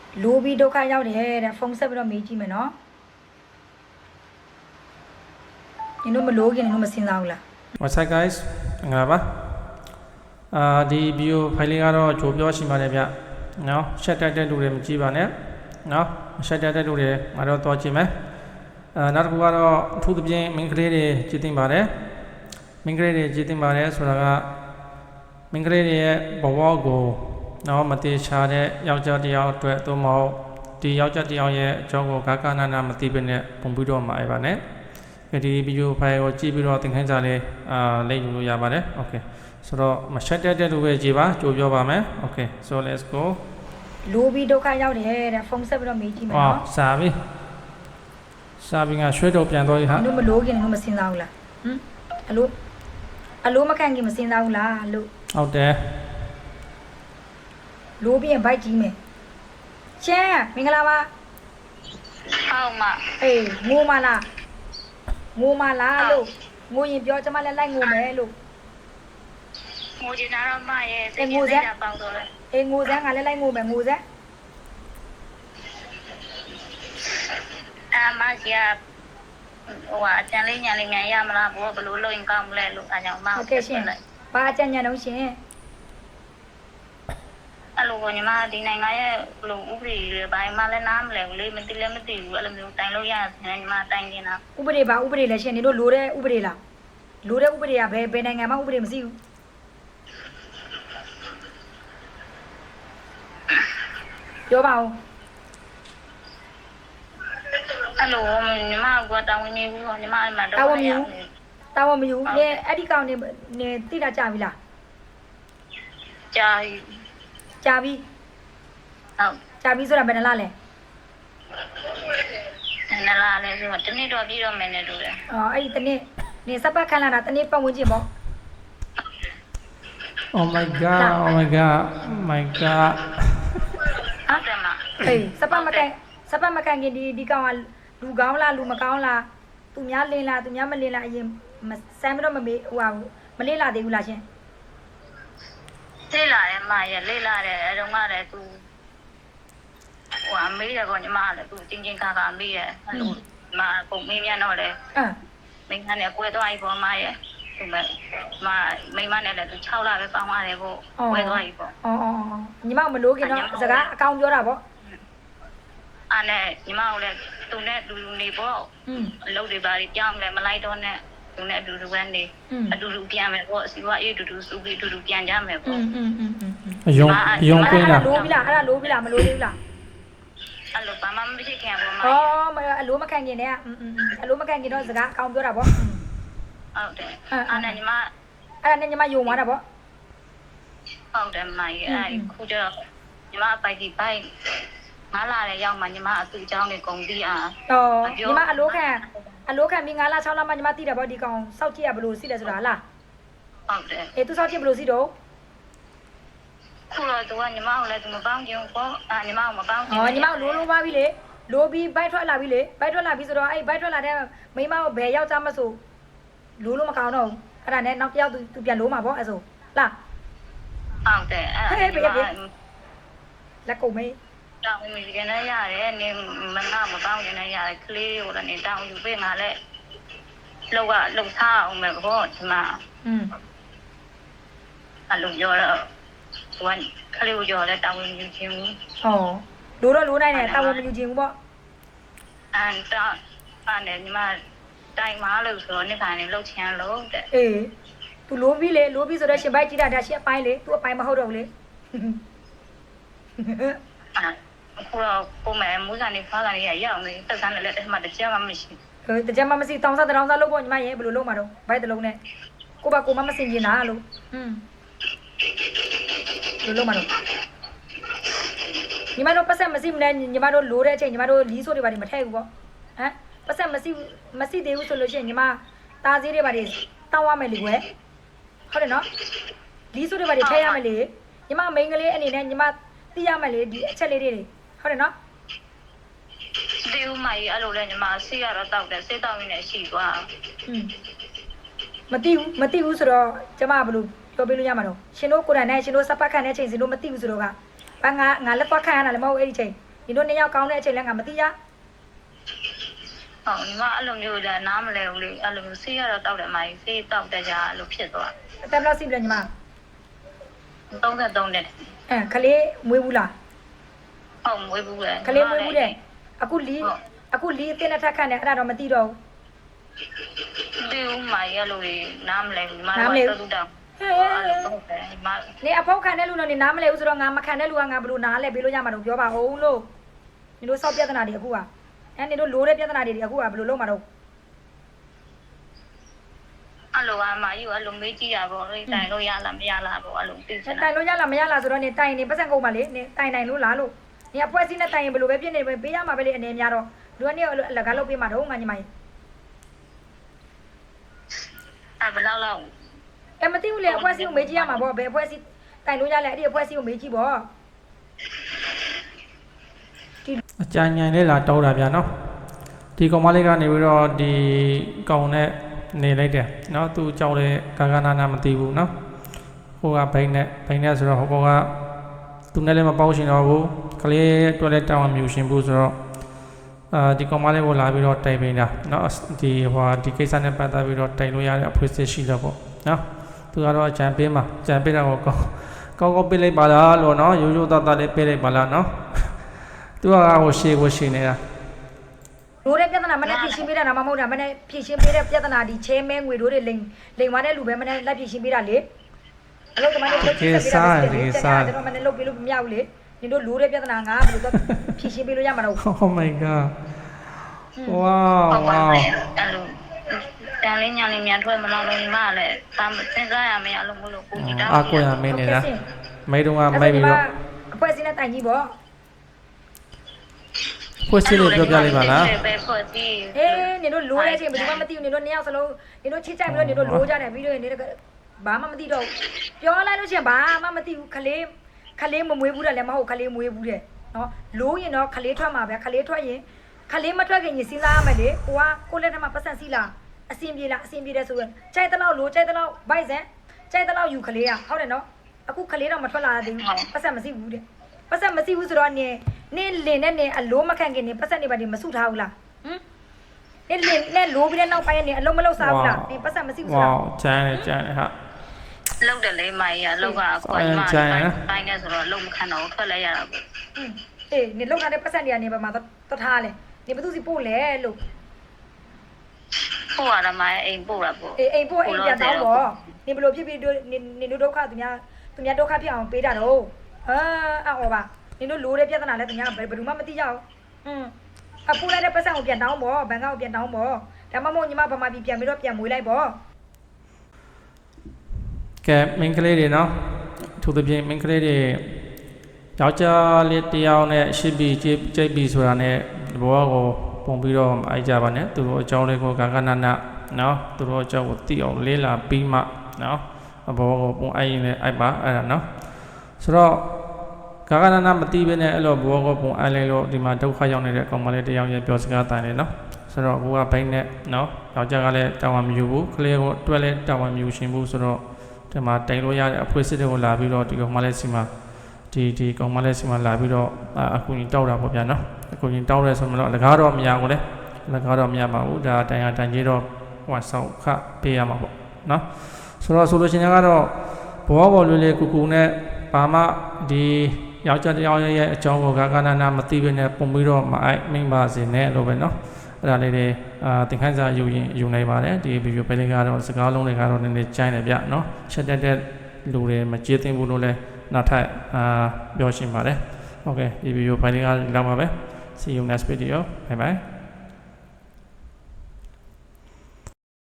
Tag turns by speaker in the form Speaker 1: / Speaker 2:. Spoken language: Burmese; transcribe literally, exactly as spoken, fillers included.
Speaker 1: လိုပြီးဒုက္ခရောက်တယ်တဲ့ဖုန်းဆက်ပြီးတော့မေးကြည့်မယ်နော်နင်တို့မလို့ခင်နင်တို့မစင်စားဘူးလား
Speaker 2: What's up guys ငါပါအာဒီ video file လေးကတော့ကြိုပြောရှိပါတယ်ဗျနော် share တက်တဲ့လူတွေမကြည့်ပါနဲ့နော် share တက်တဲ့လူတွေငါတော့တွားကြည့်မယ်အာနောက်တစ်ခုကတော့အထူးသဖြင့်မင်းကလေးတွေကြည့်သိပါတယ်မင်းကလေးတွေကြည့်သိပါတယ်ဆိုတာကမင်းကလေးတွေရဲ့ဘဝကိုနော်မတိချာတဲ့ယောက်ျားတစ်ယောက်အတွက်သို့မဟုတ်ဒီယောက်ျားတစ်ယောက်ရဲ့အကြောင်းကိုဂါကနာနာမသိဘဲနဲ့ပုံပြီးတော့မှာရပါနဲ့ဒီဗီဒီယိုဖိုင်ကိုကြည့်ပြီးတော့သင်ခန်းစာလေးအာလိမ့်ယူလို့ရပါတယ် okay ဆိုတော့မချက်တက်တဲ့လူပဲကြည့်ပါကြိုပြောပါမယ် okay so let's go
Speaker 1: လိုပြီးဒုက္ခရောက်တယ်တဲ့ဖုန်းဆက်ပြီးတော့မေးကြည့်မယ်နော်
Speaker 2: အော်စာပြီစာပြီငါရွှေတော့ပြန်တော့ဟာ
Speaker 1: နင်တို့မလို့ခင်နင်တို့မစင်စားဘူးလားဟမ်အလိုအလိုမခံခင်မစင်စားဘူးလားလို့
Speaker 2: ဟုတ်တယ်
Speaker 1: လိုပြီးရင်ဘိုက်ကြီးမယ်ချမ်းမင်္ဂလာပါ
Speaker 3: ဟုတ်မ
Speaker 1: အေးငိုမလားငိုမလားလို့ငိုရင်ပြောကျမလည်းလိုက်ငိုမယ်လို့
Speaker 3: ငိုချင်တာတော့မရဲ့စိတ်ကြီးစိတ်ဓာတ်ပေါက်တော့လေ
Speaker 1: အေးငိုစမ်းငါလည်းလိုက်ငိုမယ်ငိုစမ်း
Speaker 3: အာမရှိရဟိုအတန်လေးညာလေးမြန်ရမလားဘောဘလို့လို့ရင်ကောင်းမလဲလို့အဲကြောင့်မ
Speaker 1: ဟုတ်ကဲ့ရှင်ဘာအကြံဉာဏ်တော့ရှင်
Speaker 3: အဲ့လိုကိုညီမဒီနိုင်ငံရဲ့ဘလို့ဥပဒေတွေဘာမှလည်းနားမလဲဘူးလေမသိလည်းမသိဘူးအဲ့လိုမျိုးတိုင်လို့ရတယ်ညီမတိုင်နေတာ
Speaker 1: ဥပဒေပါဥပဒေလည်းရှင်နေတို့လိုတဲ့ဥပဒေလားလိုတဲ့ဥပဒေကဘယ်ဘယ်နိုင်ငံမှာဥပဒေမရှိဘူးပြောပါဦး
Speaker 3: အဲ့လိုညီမကတောင်းဝင်နေဘူးညီမအဲ့မှာတော့
Speaker 1: တာဝန်မယူတာဝန်မယူနေအဲ့ဒီကောင်နေနေတိတာကြပြီလား
Speaker 3: ကြာ
Speaker 1: ကြာပြီ
Speaker 3: ဟုတ်
Speaker 1: ကြာပြီဆိုတာဘယ်နှလားလဲ
Speaker 3: နလာလဲဆိုတော့တနေ့တော့ပြီးတော့မယ်နဲ့တူတယ်
Speaker 1: အော်အဲ့ဒီတနေ့နေစပတ်ခန်းလာတာတနေ့ပတ်ဝန်းကျင်ပေါ့
Speaker 2: oh my god oh my god oh my god
Speaker 3: ဟုတ်တယ်မ
Speaker 1: ဟေးစပတ်မကန်စပတ်မကန်ခင်ဒီဒီကောင်ကလူကောင်းလားလူမကောင်းလားသူများလင်းလားသူများမလင်းလားအရင်မစမ်းမတော့မမေးဟိုဟာမလင်းလာသေးဘူးလားရှင်
Speaker 3: လေးလာတယ်မရဲ့လေးလာတယ်အဲတော့မှလည်းသူဟိုအမေးတယ်ကောညီမလည်းသူချင်းချင်းခါခါမေးတယ်အဲ့လိုမပုံမင်းမြန်တော့လေ
Speaker 1: အင်း
Speaker 3: မိန်းမနဲ့ကွဲသွားပြီပေါ့မရဲ့ဒီမဲ့မမိန်းမနဲ့လည်းသူ၆လပဲပေါင်းရတယ်ပေါ့ကွဲသွားပြီပေါ့
Speaker 1: အော်အော်အော်ညီမမလို့ခင်တော့စကားအကောင်ပြောတာပေါ့
Speaker 3: အဲ့နဲ့ညီမကလည်းသူနဲ့လူလူနေပေါ့
Speaker 1: อืม
Speaker 3: အလုပ်တွေပါကြောင်းလည်းမလိုက်တော့နဲ့သူနဲ့အတူတူပဲနေအတူတူပြန်မယ်ပေါ့စီဝါအေးတူတူစုပြီးအတူတူပြန်ကြမယ်
Speaker 1: อื
Speaker 3: ပေါ့
Speaker 1: มอืมอืมอืม
Speaker 2: အယုံအယုံကွင်းလား
Speaker 1: လိုပြီလားအဲ့ဒါလိုပြီလားမလိုသေးဘူးလား
Speaker 3: အဲ့လိုဘာမှမဖြစ်ခင်ပေါ့မ
Speaker 1: อ๋อအလိုမခံခင်နဲ့อืมอืมအလိုမခံခင်တော့စကားအကောင်ပြောတာပေါ့
Speaker 3: ဟုတ်တယ်အဲ့နဲ့ညီမ
Speaker 1: အဲ့ဒါနဲ့ညီမယုံသွားတာပေါ့
Speaker 3: ဟုတ်တယ်မကြီးအဲ့ခုကျတော့ညီမပိုက်ဒီပိုက်ငါလာတဲ့ရောက်မှညီမအသူအကြောင်းတွေကုန်ပြီးအာ
Speaker 1: อ๋อညီမအလိုခံအလိုခံပြီးငါးလ၆လမှညီမသိတယ်ပေါ့ဒီကောင်စောက်ကြည့်ရဘလို့စီးတယ်ဆိုတာဟာလား
Speaker 3: ဟုတ်တယ်
Speaker 1: အေးသူစောက်ကြည့်ဘလို့စီးတော့
Speaker 3: ခုတော့သူကညီမကိုလည်းသူမပေါင်းကြဘူးပေါ့အာညီမကိုမပေါင်းကြ
Speaker 1: อ๋อညီမလိုလိုပါပြီလေလိုပြီးဘိုက်ထွက်လာပြီလေဘိုက်ထွက်လာပြီဆိုတော့အဲ့ဘိုက်ထွက်လာတဲ့မိမကိုဘယ်ယောက်ျားမဆိုလိုလိုမကောင်းတော့ဘူးအဲ့ဒါနဲ့နောက်တစ်ယောက်သူသူပြန်လိုမှာပေါ့အဲ့ဆိုလား
Speaker 3: ဟုတ်တယ်အဲ့ညီမ
Speaker 1: လက်ကုန်မေး
Speaker 3: တောင်းမိကြနေရတယ်နေမငါမပေါင်းကြနေရတယ်ကလေးကိုလည်းနေတောင်းယူပေးငါလည်းလောက်ကလုံထားအောင်မယ်ပေါ့ဒီမှာ
Speaker 1: อืม
Speaker 3: အဲ့လိုပြောတော့သူကကလေးကိုကြော်လဲတောင်းယူခြင်းဘူး
Speaker 1: ဟောလိုတော့လိုနိုင်တယ်တာဝန်မယူခြင်းဘူးပေါ့
Speaker 3: အန်တာအဲ့နဲ့ညီမတိုင်မာလို့ဆိုတော့နေခိုင်နေလှုပ်ချင်လို့တဲ့
Speaker 1: အေး तू လိုပြီးလေလိုပြီးဆိုတော့ရှင်ဘိုက်ကြည့်တာဒါရှင်အပိုင်းလေ तू အပိုင်းမဟုတ်တော့ဘူးလေ
Speaker 3: အခုတော့ကိုမယ်မူးစာနေဖားကနေရရောက်နေတက်ဆန်းလည်းတစ်မှတစ်ချက်မှမရှိ
Speaker 1: ဟိုတကြမ်းမမရှိတောင်းစားတောင်းစားလို့ပေါ့ညီမရဲ့ဘယ်လိုလုပ်မှာတော့ဘိုက်တစ်လုံးနဲ့ကိုပါကိုမမစင်ကျင်တာလို့อืมဘယ်လိုလုပ်မှာတော့ညီမတို့ပတ်ဆက်မရှိမလဲညီမတို့လိုတဲ့အချိန်ညီမတို့လီးဆိုးတွေပါနေမထည့်ဘူးပေါ့ဟမ်ပတ်ဆက်မရှိမရှိသေးဘူးဆိုလို့ရှိရင်ညီမတားစည်းတွေပါနေတောင်းရမယ်လေကွယ်ဟုတ်တယ်နော်လီးဆိုးတွေပါနေထည့်ရမယ်လေညီမမိန်းကလေးအနေနဲ့ညီမသိရမယ်လေဒီအချက်လေးတွေဟုတ်တယ်နော်
Speaker 3: ဒီဦးမကြီးအဲ့လိုလဲညီမဆေးရတော့တောက်တယ်ဆေးတောက်ရင်းနဲ့ရှိသွား
Speaker 1: อืมမသိဘူးမသိဘူးဆိုတော့ကျမဘယ်လိုပြောပြလို့ရမှာတော့ရှင်တို့ကိုယ်တိုင်နဲ့ရှင်တို့စပတ်ခန့်တဲ့အချိန်ရှင်တို့မသိဘူးဆိုတော့ကဘာငါငါလက်သွားခန့်ရတာလည်းမဟုတ်အဲ့ဒီချိန်你说你要搞那些两个没得呀？
Speaker 3: ဟုတ်ညီမအဲ့လိုမျိုးလည်းနားမလဲဘူးလေအဲ့လိုမျိုးဆေးရတော့တောက်တယ်မိုင်းဆေးတောက်တဲ့ကြာအဲ့လိုဖြစ်သွား
Speaker 1: 带不了谁不了你嘛？
Speaker 3: သုံးသုံးနဲ့
Speaker 1: 嗯，可怜没有啦，
Speaker 3: ဟုတ်မွေးဘူးလေ
Speaker 1: 可怜没有的。啊，古里啊古里在那他看的，那都没得着。
Speaker 3: ဒီဦးမိုင်းအဲ့လိုနားမလဲဘူးညီမတို့တော့တောက်အဲ့လိုဟုတ်တယ်ညီမ
Speaker 1: 你阿婆看的路呢？你拿没来？我说俺没看的路，俺不如拿来，比如讲嘛，都表吧红喽。你都少别的哪里苦啊？哎，你都路的别的哪里的苦啊？不如路嘛都。
Speaker 3: အဲ့လိုအမယူအဲ့လိုမေးကြည့်ရပေါ့လေတိုင်လို့ရလားမရလားပေါ့အဲ့လိုသိချင်
Speaker 1: တိုင်လို့ရလားမရလားဆိုတော့နေတိုင်နေပတ်စံကုန်ပါလေနေတိုင်တိုင်လို့လားလို့နေအဖွဲစီးနဲ့တိုင်ရင်ဘယ်လိုပဲဖြစ်နေပဲပေးရမှာပဲလေအနေများတော့လူကနေအလကားလုပ်ပေးမှာတော့ငါညီမကြီး
Speaker 3: အဲ့ဘယ်လောက်လောက်
Speaker 1: အဲမသိဘူးလေအဖွဲစီးကိုမေးကြည့်ရမှာပေါ့ဘယ်အဖွဲစီးတိုင်လို့ရလဲအဲ့ဒီအဖွဲစီးကိုမေးကြည့်ပေါ့
Speaker 2: အကြံဉာဏ်လေးလာတောင်းတာဗျာနော်ဒီကောင်မလေးကနေပြီးတော့ဒီကောင်နဲ့နေလိုက်တယ်နော်သူကြောက်တဲ့ကာကနာနာမသိဘူးနော်ဟိုကဘိန်းနဲ့ဘိန်းနဲ့ဆိုတော့ဟိုကောင်ကသူနဲ့လည်းမပေါရှင်တော့ဘူးကလေးအတွက်လည်းတောင်းမြူရှင်ဘူးဆိုတော့အာဒီကောင်မလေးကိုလာပြီးတော့တိုင်ပိန်းတာနော်ဒီဟိုဒီကိစ္စနဲ့ပတ်သက်ပြီးတော့တိုင်လို့ရတဲ့အဖွဲ့အစည်းရှိတော့ပေါ့နော်သူကတော့အကြံပေးမှာအကြံပေးတာကိုကောင်းကောင်းကောင်းပေးလိုက်ပါလားလို့နော်ရိုးရိုးသားသားလေးပေးလိုက်ပါလားနော်သူကဟိုရှေ့ကိုရှေ့နေတာ
Speaker 1: လို့တဲ့ပြဿနာမနဲ့ဖြည့်ရှင်းပေးတာတော့မဟုတ်တာမနဲ့ဖြည့်ရှင်းပေးတဲ့ပြဿနာဒီချဲမဲငွေတို့တွေလိန်လိန်သွားတဲ့လူပဲမနဲ့လက်ဖြည့်ရှင်းပေးတာလေအလုပ်ကမနဲ့လုပ်ချင်ပေးတာလေကျွန်တော်မနဲ့လုပ်ပေးလို့မရဘူးလေနင်တို့လို့တဲ့ပြဿနာငါဘယ်လိုတော့ဖြည့်ရှင်းပေးလို့ရမှာတော့
Speaker 2: Oh my god wow wow
Speaker 3: အဲ့လိုတန်လေးညာလေးမြန်ထွက်မလောက်လို့ညီမလည်းဒါစဉ်းစားရမယ်အဲ့လိုမလို့ကိုကြီးတောင်း
Speaker 2: အာကိုရမင်းနေတာမိတုံးကမိပြီးတော့
Speaker 1: အဖွဲစင်းနဲ့တိုင်ကြီးပေါ့
Speaker 2: ဖွဲ့စည်းလို့ပြောပြလိုက်ပါလား
Speaker 3: ပဲဖွဲ့စည်း
Speaker 1: အေးနင်တို့လိုးတဲ့အချိန်ဘယ်သူမှမသိဘူးနင်တို့နှစ်ယောက်စလုံးနင်တို့ချစ်ကြိုက်ပြီးတော့နင်တို့လိုးကြတယ်ပြီးတော့နင်တို့ဘာမှမသိတော့ပြောလိုက်လို့ရှိရင်ဘာမှမသိဘူးခလေးခလေးမမွေးဘူးတယ်လည်းမဟုတ်ခလေးမွေးဘူးတယ်နော်လိုးရင်တော့ခလေးထွက်မှာပဲခလေးထွက်ရင်ခလေးမထွက်ခင်ရင်စဉ်းစားရမယ်လေကိုကကိုလက်ထက်မှာပတ်စံစီလားအစင်ပြေလားအစင်ပြေတယ်ဆိုရင်ကြိုက်တဲ့လောက်လိုးကြိုက်တဲ့လောက်ဗိုက်စံကြိုက်တဲ့လောက်ယူခလေးอ่ะဟုတ်တယ်နော်အခုခလေးတော့မထွက်လာသေးဘူးပတ်စံမစီဘူးတဲ့ပတ်စံမစီဘူးဆိုတော့နင်နင်လင်နဲ့နင်အလိုးမခံခင်နင်ပတ်စံနေပါဒီမစုထားဘူးလားဟမ်နင်လင်နဲ့လိုးပြီးတဲ့နောက်ပိုင်းနင်အလုံးမလုံးစားဘူးလားနင်ပတ်စံမစီဘူးဆို
Speaker 2: wow
Speaker 1: တော့
Speaker 2: ကျန်တယ်ကျန်တယ်ဟာ
Speaker 3: လောက်တယ်လေမိုင်းရလောက်ကခွန်မတိုင်းနေဆိုတော့လုံမခံတော့ထွက်လဲရတာပေါ့
Speaker 1: อืมအေးနင်လောက်ထားတဲ့ပတ်စံတွေကနေပါမှာတထားလဲနင်ဘသူစီပို့လဲလို့
Speaker 3: ပို့ရတာမိုင်းအိမ်ပို့တာပေါ့
Speaker 1: အေးအိမ်ပို့အိမ်ပြန်တော့ပေါ့နင်ဘလို့ဖြစ်ပြီးနင်နင်တို့ဒုက္ခသူများသူများဒုက္ခဖြစ်အောင်ပေးတာတော့ဟာအော်ပါနင်တို့လိုးတဲ့ပြဿနာလဲသူများဘယ်သူမှမသိကြဘူးอืมအပူလိုက်တဲ့ပတ်စံကိုပြန်တောင်းပေါ့ဘန်ကောက်ကိုပြန်တောင်းပေါ့ဒါမှမဟုတ်ညီမဗမာပြည်ပြန်ပြီးတော့ပြန်မွေးလိုက်ပေါ့
Speaker 2: ကဲမင်းကလေးတွေနော်သူတို့ပြင်မင်းကလေးတွေယောက်ျားလေးတယောက်နဲ့ရှိပြီးကြိတ်ကြိတ်ပြီးဆိုတာနဲ့ဘောကိုပုံပြီးတော့အိုက်ကြပါနဲ့သူတို့အကြောင်းလေးကိုကာကနနနော်သူတို့အကြောင်းကိုသိအောင်လေးလာပြီးမှနော်ဘောကိုပုံအိုက်ရင်လည်းအိုက်ပါအဲ့ဒါနော်ဆိုတော့ကာကနနမသိဘဲနဲ့အဲ့လိုဘောကိုပုံအိုက်လိုက်လို့ဒီမှာဒုက္ခရောက်နေတဲ့ကောင်မလေးတယောက်ရဲ့ပြောစကားတိုင်လေနော်ဆိုတော့ကိုကဘိန်းနဲ့နော်ယောက်ျားကလည်းတောင်းဝမယူဘူးကလေးကိုတွဲလဲတောင်းဝမယူရှင်ဘူးဆိုတော့ဒီမှာတိုင်လို့ရတဲ့အဖွဲ့အစည်းတွေကိုလာပြီးတော့ဒီကောင်မလေးစီမှာဒီဒီကောင်မလေးစီမှာလာပြီးတော့အခုကြီးတောက်တာပေါ့ဗျာနော်အခုကြီးတောက်ရဲဆိုမှတော့လကားတော့မရဘူးလေလကားတော့မရပါဘူးဒါတိုင်ရတိုင်ကြီးတော့ဟိုဆောက်ခပေးရမှာပေါ့နော်ဆိုတော့ဆိုလို့ရှိရင်ကတော့ဘောဘောလေးလေးကူကူနဲ့ဘာမှဒီယောက်ျားတစ်ယောက်ရဲ့အကြောင်းကိုကာကနာနာမသိဘဲနဲ့ပုံပြီးတော့မအိုက်မိမ့်ပါစေနဲ့လို့ပဲနော်အဲ့ဒါလေးတွေအာသင်ခန်းစာယူရင်ယူနိုင်ပါတယ်ဒီဗီဒီယိုပဲလေးကတော့စကားလုံးတွေကတော့နည်းနည်းကျိုင်းတယ်ဗျနော်ချက်တက်တဲ့လူတွေမကျေးသိဘူးလို့လည်းနောက်ထပ်အာပြောရှင်းပါတယ်โอเคဒီဗီဒီယိုဖိုင်လေးကလောက်ပါပဲ see you next video bye bye